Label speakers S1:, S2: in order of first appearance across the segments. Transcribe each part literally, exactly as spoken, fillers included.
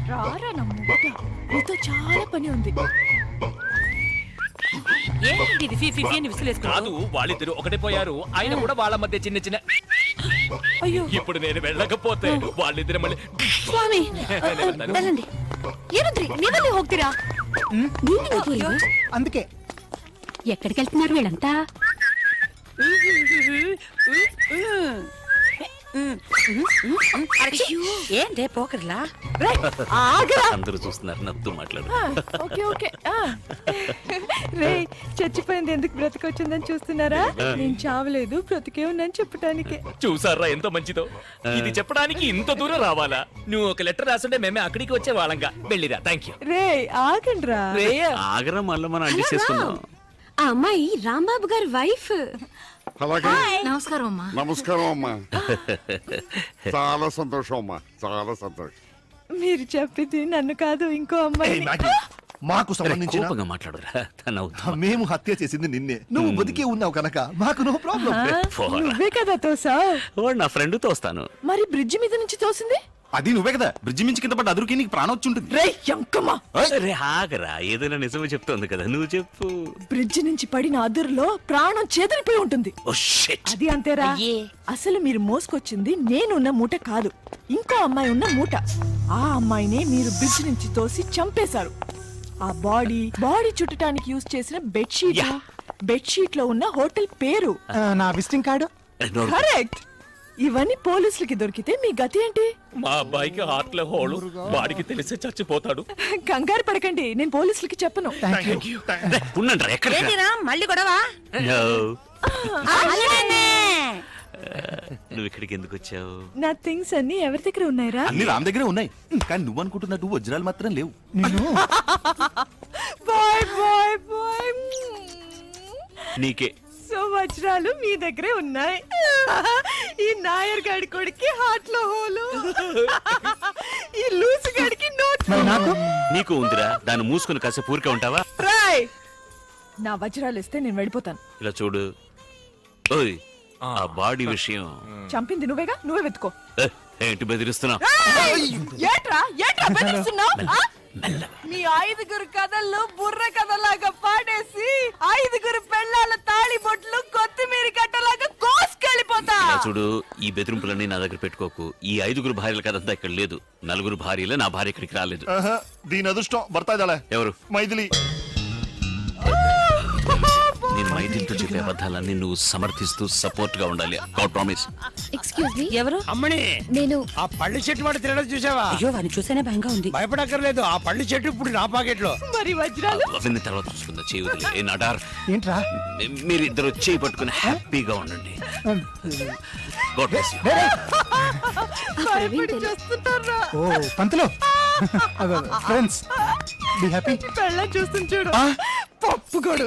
S1: రారా నమ్ముట, నీతో చాలా పని ఉంది.
S2: ఏంటి ఇది ఫీ ఫీ ఫీ అని విసిలేసుకున్నావు?
S3: కాదు, వాళ్ళిద్దరు ఒకటే పోయారు. ఆయన కూడా వాళ్ళ మధ్య చిన్న చిన్న.
S1: అయ్యో,
S3: ఇప్పుడు నేను వెళ్ళకపోతే వాళ్ళిద్దరు మళ్ళీ.
S1: ಸ್ವಾಮಿ వెళ్ళండి. ఏనుద్రి ನೀವಲ್ಲಿ ಹೋಗ್ತೀರಾ?
S4: అందుకే
S5: ఎక్కడికి వెళ్తున్నారు వీళ్ళంతా?
S2: ఏంటే పోకర్లా?
S3: అందరూ చూస్తున్నారు, నవ్వుతూ మాట్లాడు.
S1: Okay okay. రే, చచ్చిపోయింది ఎందుకు బ్రతికొచ్చిందని చూస్తున్నారా? నేను చావలేదు, బ్రతికే ఉన్నాను చెప్పడానికి.
S3: చూసారా ఎంత మంచిదో. ఇది చెప్పడానికి ఇంత దూరం రావాలా? నువ్వు ఒక లెటర్ రాసుంటే మేమే అక్కడికి వచ్చే వాళ్ళంగా. వెళ్ళిరా. Thank you.
S1: రే ఆగండ్రా.
S3: ఆగరా, మళ్ళీ మనం అడ్జస్ట్ చేసుకుందాం.
S5: ఆ అమ్మాయి రాంబాబు గారి వైఫ్.
S6: అలాగే.
S2: నమస్కారం అమ్మా.
S6: నమస్కారం అమ్మా. చాలా సంతోషం అమ్మా, చాలా సంతోషం.
S1: మీరు చెప్పింది నన్ను కాదు, ఇంకో అమ్మాయి.
S4: మాకు సంబంధించిన
S3: కోపంగా మాట్లాడురా. తన
S4: మేము హత్య చేసింది నిన్నే. నువ్వు బతికే ఉన్నావు కనుక మాకు నో ప్రాబ్లం.
S1: నువ్వే కదా తోసా?
S3: నా ఫ్రెండ్ తోస్తాను.
S1: మరి బ్రిడ్జి మీద నుంచి తోసింది?
S4: అది నువ్వే కదా. బ్రిడ్జి మించి కింద పడ్డ అదురుకి నీకు ప్రాణం వచ్చి ఉంటుంది.
S1: రే ఎంకమ్మా,
S3: రే ఆగరా, ఏదైనా నిజమే చెప్తోంది కదా, నువ్వు చెప్పు.
S1: బ్రిడ్జి నుంచి పడిన అదురులో ప్రాణం చేదరిపోయి ఉంటుంది.
S3: Oh shit.
S1: అది అంతేరా. అసలు మీరు మోసుకొచ్చింది నేనున్న మూట కాదు, ఇంకో అమ్మాయి ఉన్న మూట. ఆ అమ్మాయినే మీరు బ్రిడ్జి నుంచి తోసి చంపేశారు. ఆ బాడీ బాడీ చుట్టడానికి యూజ్ చేసిన బెడ్షీట్, బెడ్షీట్ లో ఉన్న హోటల్ పేరు,
S4: నా విజిటింగ్ కార్డు.
S1: కరెక్ట్. ఇవన్నీ పోలీసులకి దొరికితే మీ గతి ఏంటి?
S3: మా అబ్బాయికి హార్ట్ లో హోలు, వాడికి తెలిసే చచ్చిపోతాడు.
S1: కంగారు పడకండి, నేను పోలీసులకి చెప్పను.
S2: ఏంటిరా మళ్ళీ గొడవ?
S3: నువ్వు ఇక్కడికి ఎందుకు వచ్చావు?
S1: నా థింగ్స్ అన్ని ఎవరి దగ్గర ఉన్నాయిరా?
S4: అన్ని రామ్ దగ్గరే ఉన్నాయి, కానీ నువ్వు అనుకుంటున్నట్టు వజ్రాలు మాత్రం లేవు.
S1: Bye bye bye.
S3: నీకే.
S1: సో వజ్రాలు మీ దగ్గరే ఉన్నాయి. ఈ నాయర్ గాడి కొడుకి హార్ట్ లో హోలు, ఈ లూసు గాడికి నోట్.
S3: నీకు ఉందిరా, దాన్ని మూసుకుని కాసేపు ఊరికే ఉంటావా?
S1: రాయ్, నా వజ్రాలు ఇస్తే నేను వెళ్ళిపోతాను.
S3: ఇలా చూడు, ఓయ్ ఆ బాడీ విషయం
S1: చంపింది నువ్వేగా, నువ్వే వెతుకో.
S3: ఏ, ఏంటి బెదిరిస్తున్నావు?
S1: ఏట్రా ఏట్రా బెదిరిస్తున్నావ్? మీ ఐదుగురు కథల్లో బుర్ర కథలాగా పాడేసి ఐదుగురు పెళ్ళాల తాళి బొట్లు కొత్తిమీర కట్టలాగా కోసుకెళ్ళిపోతా.
S3: చూడు, ఈ బెదిరింపులన్నీ నా దగ్గర పెట్టుకోకు. ఈ ఐదుగురు భార్యల కథంతా ఇక్కడ లేదు. నలుగురు భార్యలే, నా భార్య ఇక్కడికి రాలేదు.
S4: దీని అదృష్టం భర్త ఎవరు? మైథిలి.
S3: నేను మైథిలితో చెప్పే అబద్ధాలన్నీ నువ్వు సమర్థిస్తూ సపోర్ట్ గా ఉండాలి. God promise.
S5: Excuse me.
S2: ఎవరు?
S7: అమ్మని,
S5: నేను
S7: ఆ పళ్ళు చెట్టు వాడు తినడం చూసావా?
S2: అయ్యో, వాడిని చూసేనే భయంగా ఉంది.
S7: భయపడక్కర్లేదు, ఆ పళ్ళు చెట్టు ఇప్పుడు నా పాకెట్ లో.
S1: మరి వజ్రాలు
S3: అవన్నీ తర్వాత చూసుకుందా. చేయి వదిలే. ఏ నడార్,
S4: ఏంట్రా?
S3: మీరు ఇద్దరు చేయి పట్టుకుని హ్యాపీగా ఉండండి. God bless you.
S1: భయపడి చేస్తున్నారా?
S4: ఓ పంతులు, ఫ్రెండ్స్ బి హ్యాపీ.
S1: పెళ్ళ చూస్తుంది చూడు, పప్పుగోడు.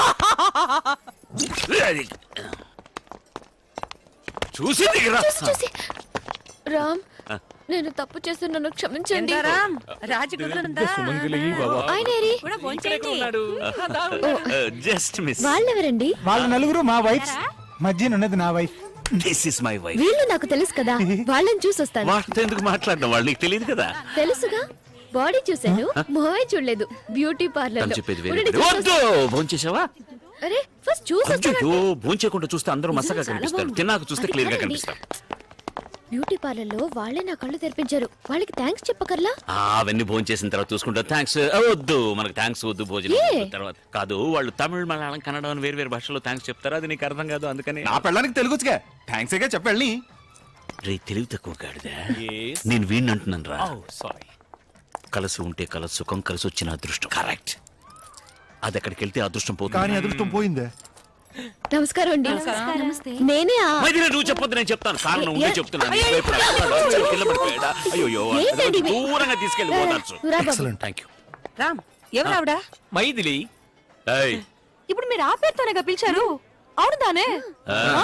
S3: చూసి దిగరా.
S5: చూసి రామ్, నేను తప్పు చేసి నన్ను క్షమించండి.
S3: Just miss.
S5: వాళ్ళెవరండి?
S4: వాళ్ళ నలుగురు మా వైఫ్, మధ్యనున్నది నా wife.
S3: This is my wife.
S5: వీళ్ళు నాకు తెలుసు కదా, వాళ్ళని చూసి వస్తాను.
S3: వాటితో ఎందుకు మాట్లాడడం, వాళ్ళు నీకు తెలియదు కదా.
S5: తెలుసుగా, బాడీ చూసాను, మొహమే చూడలేదు. బ్యూటీ పార్లర్
S3: తను
S5: లో.
S3: చెప్పేది వేరే.
S5: ఉండండి, చూసి
S3: వద్దు,
S5: వస్తాను.
S3: భోంచేసావా?
S5: అరే ఫస్ట్ చూసి
S3: అయ్యో, భోంచేయకుండా చూస్తే అందరూ మసగా కనిపిస్తారు, తిన్నాక చూస్తే క్లియర్ గా కనిపిస్తారు.
S5: బ్యూటీ పార్లర్ లో వాళ్ళే నా కళ్ళు తెరిపించారు, వాళ్ళకి థ్యాంక్స్ చెప్పకర్లా?
S3: ఆ, అవన్నీ భోంచేసిన తర్వాత చూసుకుంటా. థ్యాంక్స్ వద్దు, మనకు థ్యాంక్స్ వద్దు. భోజనం
S5: ఏ?
S3: తర్వాత కాదు, వాళ్ళు తమిళ, మలయాళం, కన్నడ అని వేరు వేరు భాషలో థ్యాంక్స్ చెప్తారు. అది నీకు అర్థం కాదు, అందుకని.
S4: నా పెళ్ళానికి తెలుగు వచ్చుగా, థ్యాంక్స్ గా చెప్పండి.
S3: రే తెలివి తక్కువ గాడిదా, నేను వీడిని అంటున్నాను రా. కలిసి ఉంటే కల సుఖం, కలిసి వచ్చిన అదృష్టం. కరెక్ట్. అది ఎక్కడికి వెళ్తే అదృష్టం పోతుంది.
S4: కానీ అదృష్టం పోయిందే.
S5: నమస్కారం అండి. నమస్తే. నేనే ఆ-
S3: మైథిలి, నువ్వు చెప్పొద్దు, నేను చెప్తాను. కారణం ఉంటే చెప్తున్నాను. కింద పడిపోయాడా? అయ్యో,
S5: ఏంటండి ఇవి?
S3: దూరంగా తీసుకెళ్ళిపోతారు.
S5: రా బాబు.
S3: Thank you.
S2: రామ్, ఎవరావిడా?
S3: మైథిలి.
S1: ఇప్పుడు మీరు ఆ పేరుతోనేగా పిలిచారు? అవును తానే.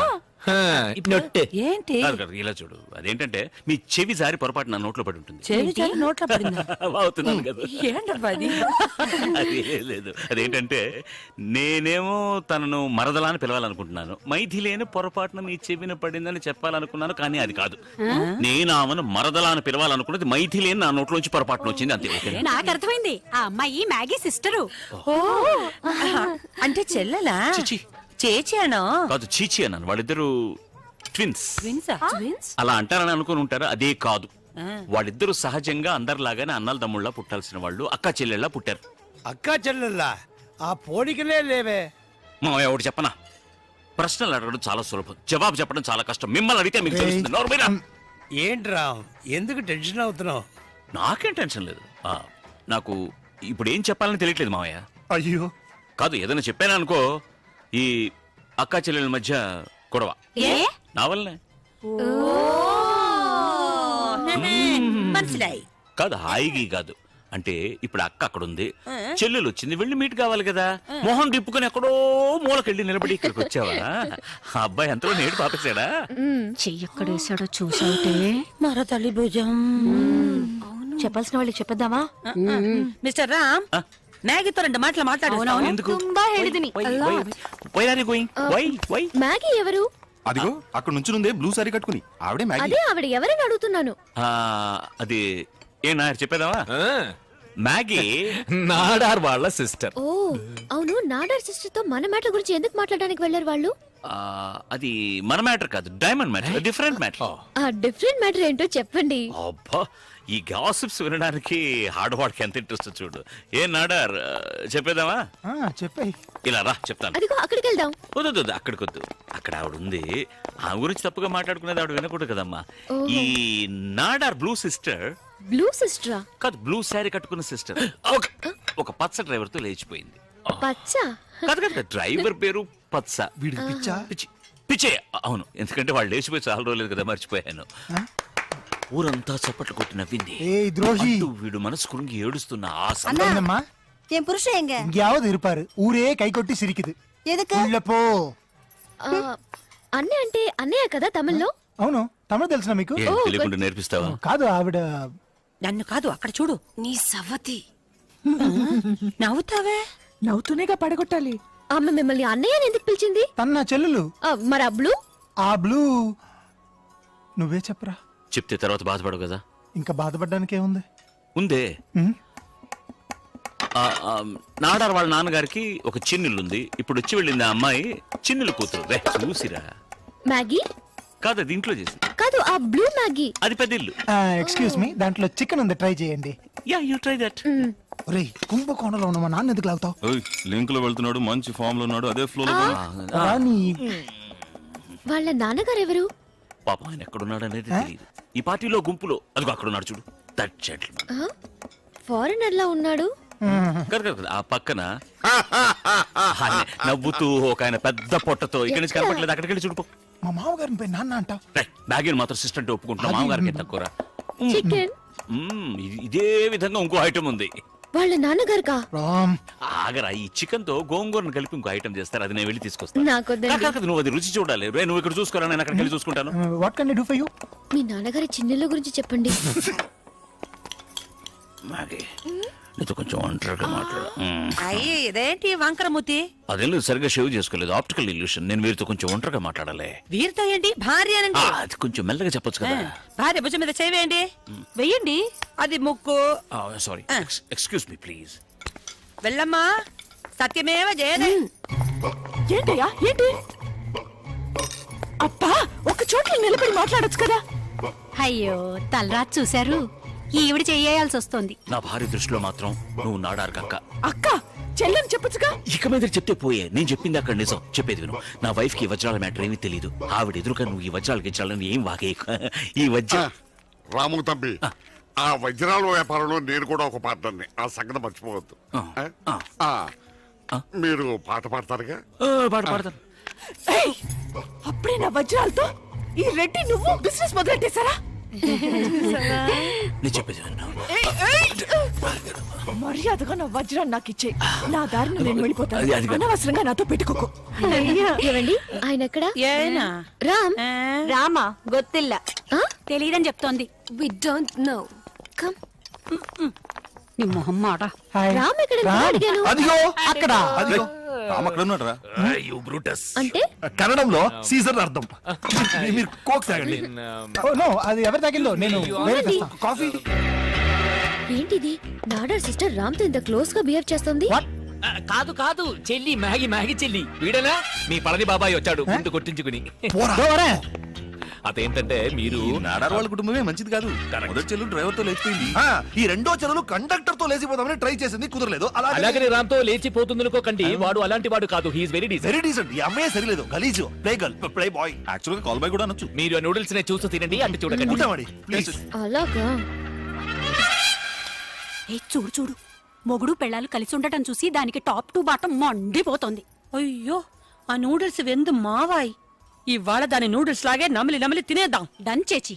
S3: నొట్టు.
S2: ఏంటి
S3: కాదు, కాదు, ఇలా చూడు. అదేంటంటే మీ చెవి జారి పొరపాటు నా నోట్లో పడి ఉంటుంది.
S2: చెవి చాలు నోట్లో పడిందా
S3: అవుతున్నాను కదా.
S2: ఏంటబ్బా అది
S3: అది ఏం లేదు. అదేంటంటే నేనేమో తనను మరదలా అని పిలవాలనుకుంటున్నాను, మైథిలేని పొరపాటున మీ చెవిన పడిందని చెప్పాలనుకున్నాను, కానీ అది కాదు. నేను ఆమెను మరదలా అని పిలవాలనుకున్నది మైథిలేని నా నోట్లోంచి పొరపాటున వచ్చింది, అంతే. ఓకేనా?
S8: నాకు అర్థమైంది ఆ అమ్మాయి మ్యాగీ సిస్టరు.
S2: ఓ అంటే చెల్లెలా
S3: చిచి.
S2: చేచి అనో
S3: కాదు, చీచి అన్నాను. వాళ్ళిద్దరు ట్విన్స్.
S2: ట్విన్సా ట్విన్స్
S3: అలా అంటారని అనుకుని ఉంటారు, అదే కాదు. వాళ్ళిద్దరూ సహజంగా అందరిలాగానే అన్నల తమ్ముళ్ళ పుట్టాల్సిన వాళ్ళు, అక్క చెల్లెళ్ళ పుట్టారు.
S7: అక్కా చెల్లెల్లా ఆ పోలికలే లేవే.
S3: మా ఎవడు చెప్పనా, ప్రశ్నలు అడగడం చాలా సులభం, జవాబు చెప్పడం చాలా కష్టం. మిమ్మల్ని అడిగితే మీకు తెలుస్తుంది. నోరు మీరా.
S7: ఏంట్రా ఎందుకు టెన్షన్ అవుతున్నావు?
S3: నాకేం టెన్షన్ లేదు. ఆ, నాకు ఇప్పుడు ఏం చెప్పాలని తెలియట్లేదు మావయ్య.
S4: అయ్యో
S3: కాదు, ఏదైనా చెప్పాను అనుకో, ఈ అక్క చెల్లెల మధ్య గొడవ నా వల్లనే.
S2: మనసులాయి
S3: కాదు, హాయిగా కాదు. అంటే ఇప్పుడు అక్క అక్కడ ఉంది, చెల్లెలు వచ్చింది, వెళ్ళి మీట్ కావాలి కదా. మొహం తిప్పుకొని ఎక్కడో మూలకెళ్ళి నిలబడి ఇక్కడికి వచ్చావా? ఆ అబ్బాయి ఎంతలో నేడు పాపేశాడా?
S8: చెయ్యక్కడేసాడో చూసావుటే
S2: మరో తల్లి భుజం
S8: చెప్పాల్సిన వాళ్ళకి చెప్పేద్దామా?
S2: మిస్టర్ రామ్ మ్యాగీతో రెండు మాటలు మాట్లాడు
S3: ఎందుకు?
S8: ತುಂಬಾ ಹೇಳಿದೀನಿ
S3: Why- why- why are you going? Why? Why?
S5: Maggie ఎవరు?
S4: అదిగో అక్కడ నుంచునుందే బ్లూ సారీ కట్టుకుని ఆవిడే మ్యాగీ.
S5: అదే ఆవిడ ఎవరని అడుగుతున్నాను.
S3: ఆ, అది ఏ నాయర్ చెప్పేదావా? మ్యాగీ
S9: నాడార్ వాళ్ళ సిస్టర్.
S5: ఓ అవును, నాడర్ సిస్టర్ తో మన మ్యాటర్ గురించి ఎందుకు మాట్లాడడానికి వెళ్ళారు వాళ్ళు?
S3: ఆ, అది మన మ్యాటర్ కాదు, డైమండ్ మ్యాటర్, డిఫరెంట్ మ్యాటర్.
S5: ఆ డిఫరెంట్ మ్యాటర్ ఏంటో చెప్పండి.
S3: అబ్బా, ఈ గాసిప్స్ వినడానికి ఆడవాడికి ఎంత ఇంట్రెస్ట్ చూడు. ఏ నాడార్, చెప్పేదావా?
S4: చెప్పాయి.
S3: ఇలా రా, చెప్తాను.
S5: అదిగో అక్కడికి వెళ్దాం.
S3: వద్దు వద్దు, అక్కడికి వద్దు. అక్కడ ఆవిడ ఉంది, ఆ గురించి తప్పుగా మాట్లాడుకునేది ఆవిడ వినకూడదు కదమ్మా. ఈ నాడార్ బ్లూ సిస్టర్
S5: బ్లూ సిస్టరా?
S3: కాదు, బ్లూ శారీ కట్టుకున్న సిస్టర్ ఒక పచ్చ డ్రైవర్ తో లేచిపోయింది.
S5: పచ్చ?
S3: కాదు కాదు, డ్రైవర్ పేరు పచ్చ.
S4: వీడికి పిచ్చా?
S3: పిచ్చి పిచ్చే, అవును. ఎందుకంటే వాళ్ళు లేచిపోయి చాలా రోజులేదు కదా, మర్చిపోయాను. ఊరంతా చప్పట్లు కొట్టి నవ్వింది. అంటూ వీడు మనసు కురుంగి ఏడుస్తున్న ఆ
S8: அண்ணா என் புருஷன் எங்க
S10: எங்கேயாவது இருப்பாரு. ஊரே கை கொட்டி சிரிக்குது.
S8: எதுக்கு
S10: உள்ள போ.
S5: ఆ, అన్నయ్య అంటే అన్నయ్య కదా తమిళ్లో?
S10: అవును, తమిళ తెలుసునా మీకు?
S3: ఏం తెలియకుండా నేర్పిస్తావా?
S10: కాదు, ఆవిడ
S2: నన్ను కాదు అక్కడ చూడు
S8: నీ సవతి
S2: నవ్వుతావే.
S1: నవ్వుతూనేగా పడగొట్టాలి.
S5: ఆమె మిమ్మల్ని అన్నయ్య అని ఎందుకు పిలిచింది?
S10: తన నా చెల్లెలు.
S5: ఆ, మరి ఆ బ్లూ?
S10: ఆ బ్లూ నువ్వే చెప్పరా.
S3: చెప్తే తర్వాత బాధపడవు కదా.
S10: ఇంకా బాధపడడానికి ఏముంది?
S3: ఉందే.
S10: ఉమ్,
S3: ఆ, ఆ, నాడార్ వాళ్ళ నాన్నగారికి ఒక చిన్నిల్లుంది. ఇప్పుడు వచ్చి వెళ్ళింది ఆ అమ్మాయి చిన్నిల్లు కూతురు. రే చూసిరా.
S5: మ్యాగీ?
S3: కాదు, అది ఇంట్లో చేసింది.
S5: కాదు, ఆ బ్లూ మ్యాగీ.
S3: అది పెద్ద ఇల్లు.
S10: ఆ, ఎక్స్క్యూజ్ మీ, దాంట్లో చికెన్ ఉంది, ట్రై చేయండి.
S3: Yeah, you try that.
S10: ఒరేయ్, కుంభకోణంలో ఉన్న మా నాన్న ఎందుకు లాగుతావు?
S9: లింక్ లో వెళ్తున్నాడు, మంచి ఫామ్ లో ఉన్నాడు, అదే ఫ్లో లో.
S10: రాని
S5: వాళ్ళ నాన్నగారు ఎవరు?
S3: పాపం ఆయన ఎక్కడున్నాడు అనేది తెలియదు. ఈ పార్టీలో గుంపులో అదిగో అక్కడ ఉన్నాడు చూడు, దట్ జెంటిల్మన్.
S5: ఫారినర్ లా ఉన్నాడు.
S3: కాదు కాదు, ఆ పక్కన ఆయన నవ్వుతూ ఒక ఆయన పెద్ద పొట్టతో ఇక్కడి నుంచి కనపట్లేదు, అక్కడికి వెళ్ళి చూడుకో.
S10: మా మామగారిని పోయి నాన్న అంటావు.
S3: బ్యాగిన్ మాత్రం సిస్టెంట్ ఒప్పుకుంటున్నా, మామగారికి తక్కువరా.
S5: చికెన్?
S3: మ్మ్, ఇది- ఇదే విధంగా ఇంకో ఐటమ్ ఉంది.
S5: వాళ్ళ నాన్నగారుకా?
S10: రామ్,
S3: ఆగరా, ఈ చికెన్ తో గోంగూరను కలిపి ఇంకో ఐటమ్ చేస్తారు, అది నేను వెళ్ళి తీసుకొస్తాను.
S5: నాకొద్దండి.
S3: కాదు, కాదు, నువ్వు అది రుచి చూడాలి. రే, నువ్వు ఇక్కడ చూసుకోరా, నేను అక్కడికి వెళ్ళి చూసుకుంటాను.
S10: What can I do for you?
S5: మీ నాన్నగారి చిన్నెళ్ళ గురించి చెప్పండి.
S3: మాగే, నీతో కొంచెం ఒంటరిగా మాట్లాడు. మ్మ్.
S2: అయ్యి ఇదేంటి వంకరమూతి?
S3: అదేం లేదు, సరిగ్గా షేవ్ చేసుకోలేదు, ఆప్టికల్ ఇల్యూషన్. నేను వీరితో కొంచెం ఒంటరిగా మాట్లాడాలి.
S2: వీరితో ఏంటి భార్య
S3: ఆ,
S2: అనండి.
S3: అది కొంచెం మెల్లగా చెప్పొచ్చు కదా.
S2: భార్య భుజం మీద చేయవేయండి. వెయ్యండి. అది ముక్కు.
S3: Sorry, excuse me please.
S2: వెళ్ళమ్మా. సత్యమేవ జయదే.
S1: ఏంటయ్యా ఏంటి? అబ్బా, ఒక చోట్ల నిలబడి మాట్లాడొచ్చు కదా.
S8: అయ్యో తలరాత్ చూశారు, ఈవిడ చెయ్యాల్సి వస్తుంది.
S3: నా భార్య దృష్టిలో మాత్రం నువ్వు నాడారు కక్క.
S1: అక్క చెల్లెని చెప్పొచ్చుగా.
S3: ఇక మీద చెప్తే పోయే, నేను చెప్పింది అక్కడ నిజం. చెప్పేది విను. నా వైఫ్ కి వజ్రాల మ్యాటర్ ఏమీ తెలియదు. ఆవిడ ఎదురుగా నువ్వు ఈ వజ్రాలకి ఇచ్చాలని ఏం వాగే. ఈ వజ్ర
S6: రాము తంబి, ఆ వజ్రాల వ్యాపారంలో నేను కూడా ఒక పార్ట్నర్ని, ఆ సంగతి మర్చిపోవద్దు.
S3: ఆ.
S6: ఆ, మీరు పాట పాడతారుగా?
S3: ఆ, పాడు పాడతాను.
S1: ఏయ్, అప్పుడే నా వజ్రాలతో ఈ రెడ్డి నువ్వు బిజినెస్ మొదలెట్టేశారా?
S3: నేను చెప్పేది విను.
S1: మర్యాదగా నా వజ్రాన్ని నాకు ఇచ్చే నా దారిని నేను వెళ్ళిపోతాను
S3: అది- అది కాదు.
S1: అనవసరంగా నాతో పెట్టుకోకు
S5: ఏవండి ఆయన ఎక్కడ
S2: ఏనా
S5: రామ్
S8: రామా గొత్తిల్ల
S5: ఆ?
S8: తెలియదని చెప్తోంది
S5: వి డోంట్ నో కమ్
S8: నీ మొహం మాట
S10: హాయ్.
S5: రామ్ ఎక్కడ
S10: రామ్.
S5: అడిగాను
S10: అదిగో అక్కడ
S4: అదిగో
S9: రామ్ అక్కడ ఉన్నాడు రా
S5: అంటే
S4: కన్నడంలో సీజన్ అర్థం మీ- మీరు కోక్ తాగండి
S10: ఓ నో అది ఎవరి తగిల్లో నేను వేరే తెస్తా. కాఫీ
S5: ఏంటిది నాడార్ సిస్టర్ రామ్ తో ఇంత క్లోజ్ గా బిహేవ్ చేస్తుంది
S11: కాదు కాదు చెల్లి మ్యాగి మ్యాగి చెల్లి వీడనా మీ పళని బాబాయ్ వచ్చాడు ముందు కొట్టించుకుని
S10: పోరా.
S11: అదేంటంటే మీరు
S9: నాడార్ వాళ్ళ కుటుంబమే మంచిది కాదు మొదటి చెల్లు డ్రైవర్ తో లేచిపోయింది
S4: ఆ, ఈ రెండో చెరువులు కండక్టర్ తో లేచిపోదామని ట్రై చేసింది కుదరలేదు అలాగే
S11: అలాగని రామ్తో లేచిపోతుంది అనుకోకండి వాడు అలాంటి వాడు కాదు he's very decent
S4: very decent ఈ అమ్మాయి సరిలేదు గలీజు play girl play boy
S9: actual గా కాల్ బై కూడా అనొచ్చు
S11: మీరు ఆ నూడిల్స్ నే చూస్తూ తినండి అంటే చూడకండి
S4: ఉంటామండి ప్లీజ్
S5: అలాగా
S8: ఏ చూడు చూడు మొగుడు పెళ్ళాలు కలిసి ఉండటం చూసి దానికి టాప్ టు బాటం మండిపోతోంది
S2: అయ్యో ఆ నూడిల్స్ వెందు మావాయ్ ఇవాళ దాని నూడిల్స్ లాగే నమిలి నమిలి తినేద్దాం
S8: డన్ చేచి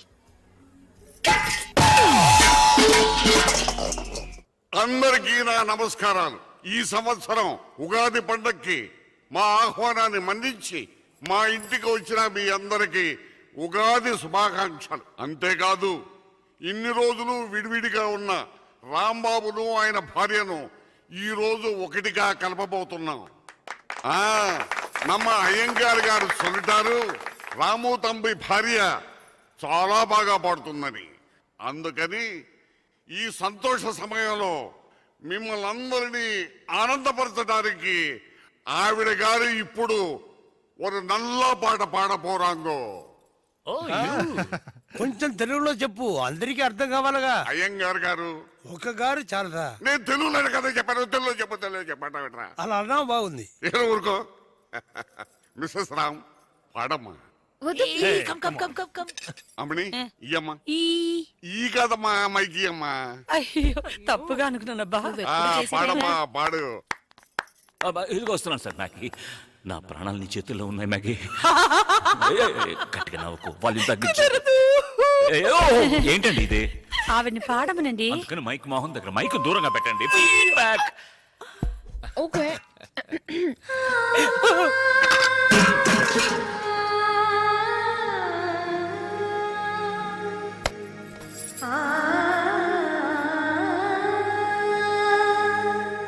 S6: అందరికీ నా నమస్కారాలు. ఈ సంవత్సరం ఉగాది పండక్కి మా ఆహ్వానాన్ని మన్నించి మా ఇంటికి వచ్చిన మీ అందరికీ ఉగాది శుభాకాంక్షలు. అంతేకాదు ఇన్ని రోజులు విడివిడిగా ఉన్న రాంబాబును ఆయన భార్యను ఈ రోజు ఒకటిగా కలపబోతున్నాం. ఆ నమ్మ అయ్యంగార్ గారు சொல்லிட்டாరు రాము తంబి భార్య చాలా బాగా పాడుతుందని. అందుకని ఈ సంతోష సమయంలో మిమ్మల్ని అందరినీ ఆనందపరచడానికి ఆవిడ గారు ఇప్పుడు ఒక నల్ల పాట పాడపోరాంగో.
S7: కొంచెం తెలుగులో చెప్పు అందరికీ అర్థం కావాలగా.
S6: అయ్యంగార్ గారు
S7: ఒక గారు చాలదా?
S6: నేను తెలుగులో కదా చెప్పాను, తెలుగులో చెప్పు తెలుగు చెప్పండి.
S7: అలా అన్నా బాగుంది.
S6: ఏదో ఊరుకో. మిస్సెస్ రామ్ పాడమ్మా.
S5: వద్దు
S2: come come come come come
S6: అమ్మని ఇయ్యమ్మా.
S2: ఈ
S6: ఈ కదమ్మా మైకి అమ్మా.
S2: అయ్యో తప్పుగా అనుకున్నానబ్బా
S6: ఆ, పాడమ్మా పాడు.
S3: అబ్బా, ఇదిగో వస్తున్నాను సార్ మ్యాగీ. నా ప్రాణాలు నీ చేతుల్లో ఉన్నాయి మ్యాగీ. ఏయ్, ఏయ్, ఏయ్, గట్టిగా నవ్వుకో వాళ్ళు తగ్గించు. ఏయ్, ఓ, ఏంటండి ఇది?
S2: ఆవిడ్ని పాడమనండి.
S3: అందుకని మైక్ మోహన్ దగ్గర మైక్ దూరంగా పెట్టండి. ఫీడ్బ్యాక్.
S5: ఓకే
S8: ఆ